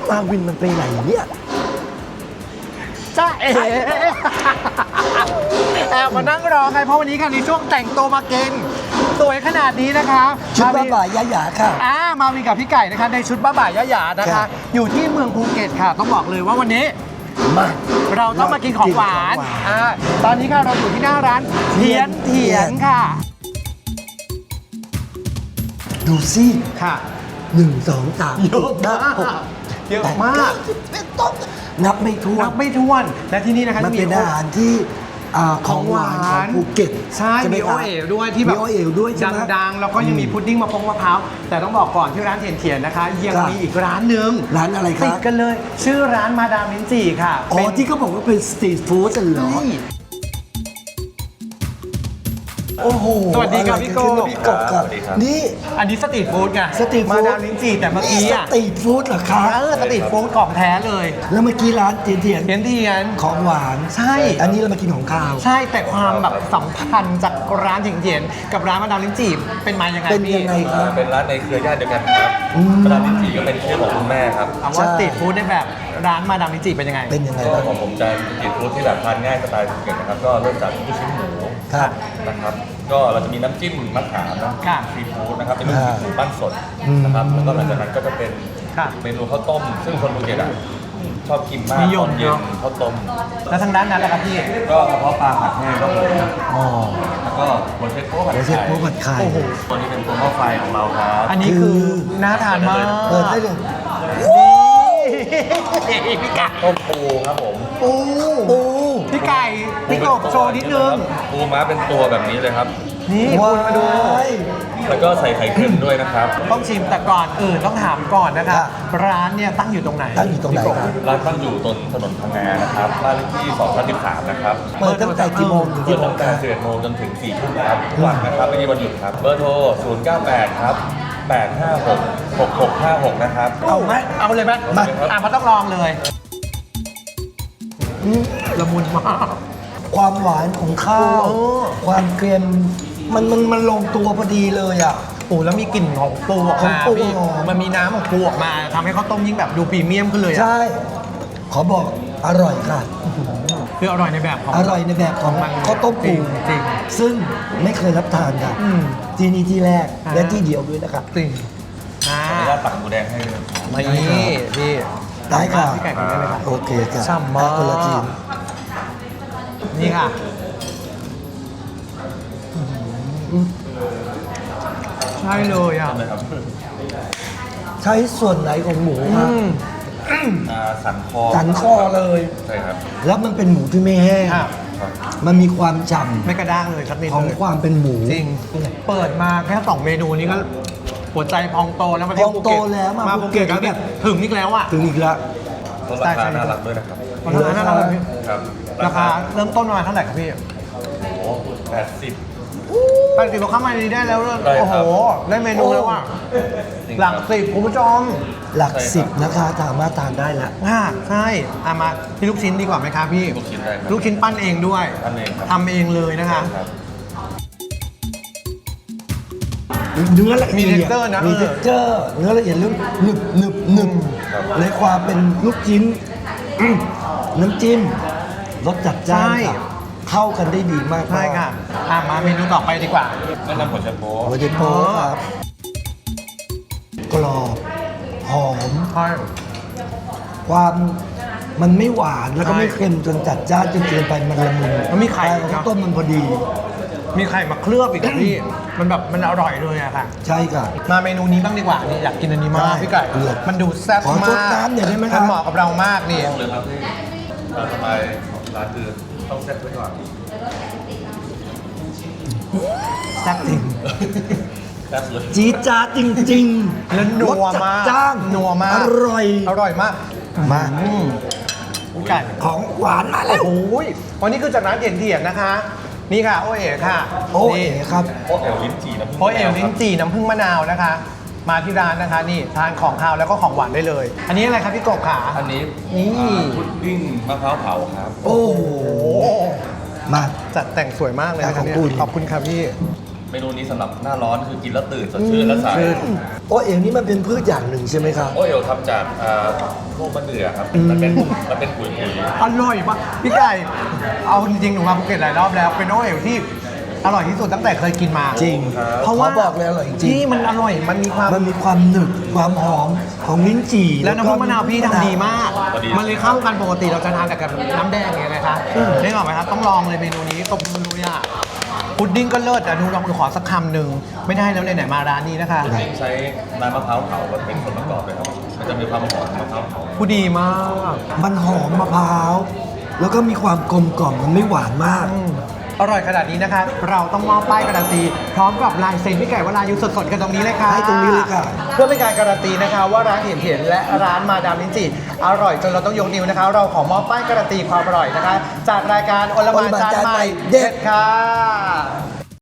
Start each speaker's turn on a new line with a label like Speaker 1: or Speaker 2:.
Speaker 1: มาวินมันไปไหนเนี่ย
Speaker 2: จ้าเอ๋แอบมานั่งรอไงเพราะวันนี้ค่ะในช่วงแต่งตัวมาเก่งสวยขนาดนี้นะคะ
Speaker 1: ชุดบ้าบ่ายยะหยาค่ะ
Speaker 2: มาวินกับพี่ไก่นะคะในชุดบ้าบ่ายยะหยานะ
Speaker 1: ครั
Speaker 2: คะ
Speaker 1: บ
Speaker 2: อยู่ที่เมืองภูเก็ตค่ะ ต้องบอกเลยว่าวันนี้
Speaker 1: มา
Speaker 2: เราต้องมากินของหวาน
Speaker 1: กินของหวาน
Speaker 2: ตอนนี้ค่ะเราอยู่ที่หน้าร้านเทียนค่ะ
Speaker 1: ดูสิ
Speaker 2: ค่ะ
Speaker 1: 1 2 3
Speaker 2: เยอะมากเยอะมาก
Speaker 1: นับไม่ถ้วน
Speaker 2: นับไม่ถ้วนและที่นี่นะคะ
Speaker 1: มันเป็น
Speaker 2: มี
Speaker 1: อาหารที่ของหวานของภูเก็ต
Speaker 2: ใช่
Speaker 1: ไห
Speaker 2: มีโอ
Speaker 1: ครับ
Speaker 2: เอ๋วด้วยที่แบบ
Speaker 1: มีโอเอ๋วด้วยใช่ไหม
Speaker 2: ดังๆแล้วก็ยังมีพุดดิ้งมะพร้าวแต่ต้องบอกก่อนที่ร้านเทียนนะคะ ยัง
Speaker 1: ครับ
Speaker 2: มีอีกร้านหนึ่ง
Speaker 1: ร้านอะไรค
Speaker 2: ติ
Speaker 1: รั
Speaker 2: ด
Speaker 1: บ
Speaker 2: กันเลย ชื่อร้านมาดามลิ้นจี่ค่ะ
Speaker 1: อ๋อที่เขาบอกว่าเป็นสตรีทฟู้ดเหรอ
Speaker 2: ใช่
Speaker 1: โอ้โห
Speaker 2: สวัสดีครับพี่โก้
Speaker 1: พี่กบครับ
Speaker 3: สวัสดีครับ
Speaker 1: นี่
Speaker 2: อันนี้สตรีทฟู้ดไง
Speaker 1: สตรีทฟู้
Speaker 2: มา
Speaker 1: ด
Speaker 2: ดามลิ้นจี่แต่เมื่อกี้
Speaker 1: ส
Speaker 2: อ่ะ
Speaker 1: ตรีทฟู้ดเหรอคะ
Speaker 2: สตรีทฟู้ดของแท้เลย
Speaker 1: แล้วเมื่อกี้ร้านเทียน
Speaker 2: เทียน
Speaker 1: ของหวาน
Speaker 2: ใช่
Speaker 1: อันนี้เรามากินของข้าว
Speaker 2: ใช่แต่ความแบบสัมพันธ์จากร้านเทียนกับร้านมาดามลิ้นจี่เป็นมายังไง
Speaker 1: เป็น
Speaker 2: พี่
Speaker 1: ยังไงครับ
Speaker 3: เป็นร้านในเครือญาติเดียวกันครับ
Speaker 1: อืม
Speaker 3: ร้านลิ้นจี่ก็เป็นชื่อของคุณแม่ครับ
Speaker 2: ถามว่าสตรีทฟู้ดในแบบร้านมาดามลิ้นจี่เป็นยังไง
Speaker 1: เป็นยังไง
Speaker 3: ก็
Speaker 1: บ้าง
Speaker 3: ของผมจะเป็นสตรีทฟู้ดที่แบบทานง่ายสไตล์ภูเก็ตนะครับ ก็เริ่มจากลูกชิ้นหมู
Speaker 1: ครับ
Speaker 3: นะครับ ก็เราจะมีน้ำจิ้มมะขามน้ำ
Speaker 2: ค่ะ
Speaker 3: ซีฟู้ดนะครับ เป็นลูกชิ้นหมูปั้นสดนะครับ แล้วก็หลังจากนั้นก็จะเป็น
Speaker 2: ค่ะ
Speaker 3: เมนูข้าวต้ม ซึ่งคนภูเก็ตอะชอบกินมาก
Speaker 2: นิย
Speaker 3: ต
Speaker 2: ม
Speaker 3: อนเย็น
Speaker 2: เนอะ
Speaker 3: ข้าวต้ม
Speaker 2: แล้วทางด้านนั้นแหละครับพี่
Speaker 3: ก็กระเพาะปลาผัดแห้งครับผม
Speaker 1: อ๋อ
Speaker 3: แล้วก็หัวเชฟโป๊ะผัด
Speaker 1: หัวเชฟ
Speaker 3: ไข่
Speaker 1: โป๊ะผัดไข่
Speaker 2: โอ้โห
Speaker 3: ตัวนี้เป็นตัวหม้อไฟของเราครับ
Speaker 2: อันนี้คือน่าทานมาก
Speaker 1: เปิดได้เลย
Speaker 2: นี่พี่ไก่
Speaker 3: ต้มปูครับผม
Speaker 2: ปู
Speaker 1: ปู
Speaker 2: พี่ไก่พี่กบโชว์นิดนึง
Speaker 3: ปูม้าเป็นตัวแบบนี้เลยครับ
Speaker 2: นี่
Speaker 1: ว้า
Speaker 2: คุณมาดู
Speaker 1: ย
Speaker 3: แล้วก็ใส่ไข่เค็มด้วยนะครับ
Speaker 2: ต้องชิมแต่ก่อนอื่นต้องถามก่อนนะค
Speaker 1: ครั
Speaker 2: รับบ ร้านเนี่ยตั้งอยู่ตรงไหน
Speaker 1: ตั้งอยู่ตรงไหนครับ
Speaker 3: ร้านตั้งอยู่ตรงถนนพังงานะครับบ้านเลขที่213นะครับ
Speaker 1: เปิดตั้งแต่กี่โมงถึง
Speaker 3: เปิ
Speaker 1: กี่
Speaker 3: ด
Speaker 1: โม
Speaker 3: ตั้
Speaker 1: ง
Speaker 3: ง
Speaker 1: ค
Speaker 3: แต่
Speaker 1: รับ
Speaker 3: 11โมงจนถึง4ทุ่มครับทุกวันนะครับไม่มีวันหยุดครับ เบอร์โทร 098 ครับ 856 6656 นะครับ
Speaker 1: เอาไหม
Speaker 2: เอาเลยไหม
Speaker 1: มา
Speaker 2: มันต้องลองเลยละมุนมาก
Speaker 1: ความหวานของข้าว
Speaker 2: โอ้
Speaker 1: ความเค็มมันลงตัวพอดีเลยอ่ะ
Speaker 2: ปูแล้วมีกลิ่นของปูออก
Speaker 1: ของ
Speaker 2: มา
Speaker 1: ปู
Speaker 2: พี่
Speaker 1: หอม
Speaker 2: มันมีน้ำของปูออกมาทำให้ข้าวต้มยิ่งแบบดูพรีเมียมขึ้นเลยอะ
Speaker 1: ใช่ ขอบอกอร่อยค่ะ
Speaker 2: คืออร่อยในแบบของ
Speaker 1: อร่อยในแบบของ
Speaker 2: มัน
Speaker 1: ข้าวต้มปู
Speaker 2: จริง
Speaker 1: ซึ่งไม่เคยรับทานค่ะ
Speaker 2: อืม
Speaker 1: ที่นี่ที่แรก
Speaker 2: อ่า
Speaker 1: และที่เดียวด้วยนะครับ
Speaker 2: จริง
Speaker 3: ขออนุญาตตักหมูแดงให้เลย
Speaker 2: มานี่พี่
Speaker 1: ได้ค่ะ
Speaker 2: พี่ไก่กินได้เลยค่ะ
Speaker 1: โอเคค่ะ
Speaker 2: ฉ่ำมาก
Speaker 1: คนละจีน
Speaker 2: นี่ค่ะใช่เลยอ่ะ
Speaker 3: นะครับ
Speaker 1: ใช้ส่วนไหนของหมูครับ
Speaker 3: สันคอ
Speaker 1: สันคอเลย
Speaker 3: ใช่ครับ
Speaker 1: แล้วมันเป็นหมูที่ไม่แห้ง
Speaker 2: ครับ
Speaker 3: ครับ
Speaker 1: มันมีความฉ่
Speaker 2: ไม่กระด้างเลยสักนิด
Speaker 1: ำของ
Speaker 2: เลย
Speaker 1: ความเป็นหมู
Speaker 2: จริง เปิดมาแค่2เมนูนี้ก็หัวใจพองโตแล้วมาเที่ยว
Speaker 1: พองโตแล้วมา
Speaker 2: ภูเก็ต
Speaker 1: ภูเก็ต
Speaker 2: ก็แบบถึงอีกแล้วอ่ะ
Speaker 1: ถึงอีกแล้ว
Speaker 3: ลดราคาน่ารักด้วยนะครับ
Speaker 2: ราคาน่ารักเลยพี่
Speaker 3: ครับ
Speaker 2: ราคาเริ่มต้นประมาณเท่าไหร่ครับพี่
Speaker 3: โอ้โห80
Speaker 2: 80เราเข้ามาในนี้ได้แล้วเลย
Speaker 3: ได้
Speaker 2: โอ้
Speaker 3: ครั
Speaker 2: โห
Speaker 3: บ
Speaker 2: ได้เมนูแล้วอ่ะ
Speaker 3: จริง
Speaker 2: หลัก
Speaker 3: ครับ
Speaker 2: 10คุณผู้ชม
Speaker 1: หลัก
Speaker 3: ใช่ครับ
Speaker 1: สิบนะคะสามารถทานได้แล้ว
Speaker 2: ใช่มาที่ลูกชิ้นดีกว่าไหมครับพี่
Speaker 3: ลูกชิ้นได้ครับ
Speaker 2: ลูกชิ้นปั้นเองด้วย
Speaker 3: ปั้นเองครับ
Speaker 2: ทำเองเลยนะคะ
Speaker 3: ครับ
Speaker 1: เนื้อละเอียด
Speaker 2: มี texture นะ
Speaker 1: มีเท็กเจอร์เนื้อละเอียดลึกหนึบหนึบหนึบ
Speaker 3: ครับ
Speaker 1: ในความเป็นลูกชิ้นน้ำจิ้มรสจัดจ้าน
Speaker 2: ใช่
Speaker 1: ค่ะเข้ากันได้ดีมาก
Speaker 2: ใช่ค่ะมาเมนูต่อไปดีกว่า
Speaker 3: แนะนำหัวเชฟโป๊ะ
Speaker 1: หัวเจโป้ครับกรอบหอม
Speaker 2: ใช่
Speaker 1: ความมันไม่หวานแล้วก็
Speaker 2: ใช่
Speaker 1: ไม่เค็มจนจัดจ้านจนเกินไปมันละมุน
Speaker 2: มันมีไข่
Speaker 1: แต่ของ
Speaker 2: นะ
Speaker 1: ต้มมันพอดี
Speaker 2: มีไข่มาเคลือบอีกอะพี่ มันแบบมันอร่อยเลยอะค่ะ
Speaker 1: ใช่ค่ะ
Speaker 2: มาเมนูนี้บ้างดีกว่านี่อยากกินอันนี้มาก
Speaker 1: ได้
Speaker 2: พี่ไก่
Speaker 1: เลือก
Speaker 2: มันดูแซ่บ
Speaker 1: ขอ
Speaker 2: มาก
Speaker 1: ซดน้ำหน่อยได้ไหมครับ
Speaker 2: มันเหมาะกับเรามากนี่
Speaker 3: ต้องเลยครับที่สบายของร้านคือต้องเซ็ตไว้ก่อน
Speaker 2: แซ่บจริง
Speaker 3: แซ่บเลย
Speaker 1: จี๊ดจ๊าดจริงๆ
Speaker 2: แล้วนัว
Speaker 1: รสจัด
Speaker 2: มาก
Speaker 1: จ้าน
Speaker 2: นัวมาก
Speaker 1: อร่อย
Speaker 2: อร่อยมาก
Speaker 1: มา
Speaker 2: พี่ไก่
Speaker 1: ของหวานมาแล้ว
Speaker 2: โอ้ยวันนี้คือจากร้านเทียนนะคะ นี่ค่ะ โอเอ๋ค่ะ
Speaker 1: โอ้เอ๋
Speaker 2: นี่
Speaker 1: ครับ
Speaker 3: โป๊ะเอลลิ้นจี่น้ำผึ้ง
Speaker 2: โอเอ๋ลิ้นจี่น้ำผึ้งมะนาวนะคะ มาที่ร้านนะคะ นี่ทานของคาวแล้วก็ของหวานได้เลย อันนี้อะไรครับพี่กบขา
Speaker 3: อันนี้
Speaker 2: นี่
Speaker 3: พุดดิ้งมะพร้าวเผาครับ
Speaker 1: โอ้โห
Speaker 2: โอ้
Speaker 1: มา
Speaker 2: จัดแต่งสวยมากเลยนะ
Speaker 1: ข
Speaker 2: คะ
Speaker 1: อบ
Speaker 2: เนี่ย
Speaker 1: คุณ
Speaker 2: ขอบคุณครับพี่
Speaker 3: เมเมนูนี้สำหรับหน้าร้อนคือกินแล้วตื่นสดชื่นและใส
Speaker 1: โอเอ๋วนี่มันเป็นพืชอย่างหนึ่งใช่ไหมครับ
Speaker 3: โอเอลทำจากพวกมะเดื่อครับมันเป็นปุ๋ย
Speaker 2: อร่อยมากพี่ไก่เอาจริงๆหนูมาภูเก็ตหลายรอบแล้วเป็นโอเอ๋วที่อร่อยที่สุดตั้งแต่เคยกินมา
Speaker 1: จริง
Speaker 2: เพราะว่า
Speaker 1: ขอบอกเลยอร่อยจริง
Speaker 2: ที่มันอร่อยมันมีความ
Speaker 1: มันมีความหนึบความหอมของลิ้นจี่
Speaker 2: แล้วน้ำพุมะนาวพี่ทำดีมาก มันเลยเข้ากันปกติเราจะทานแต่กับน้ำแดงอย่างเงี้ยนะคะได้หรอกไหมครับต้องลองเลยเมนูนี้ตบมือเลยอ่ะพุดดิ้งก็เลิศอ่ะหนูลองขอสักคำหนึ่งไม่ได้แล้วไหนๆมาร้านนี้นะคะ
Speaker 3: พุดดิ้งใช้น้ำมะพร้าวเผาเป็นส่วนประกอบเลยครับมันจะมีความหอมมะพร้าวเผา
Speaker 2: ผู้ดีมาก
Speaker 1: มันหอมมะพร้าวแล้วก็มีความกลมกล่อมมันไม่หวานมาก
Speaker 2: อร่อยขนาดนี้นะคะ เราต้องมอบป้ายการันตีพร้อมกับลายเซ็นพี่ไก่วรายุสดๆกันตรงนี้เลยค่ะ
Speaker 1: ให้ตรงนี้เลยค่ะ
Speaker 2: เพื่อเป็นการการันตีนะคะ ว่าร้านเห็นและร้านมาดามลิ้นจี่อร่อยจนเราต้องยกนิ้วนะคะ เราขอมอบป้ายการันตีความอร่อยนะคะ จากรายการโอลหมานจานใหม่เด็ดค่ะ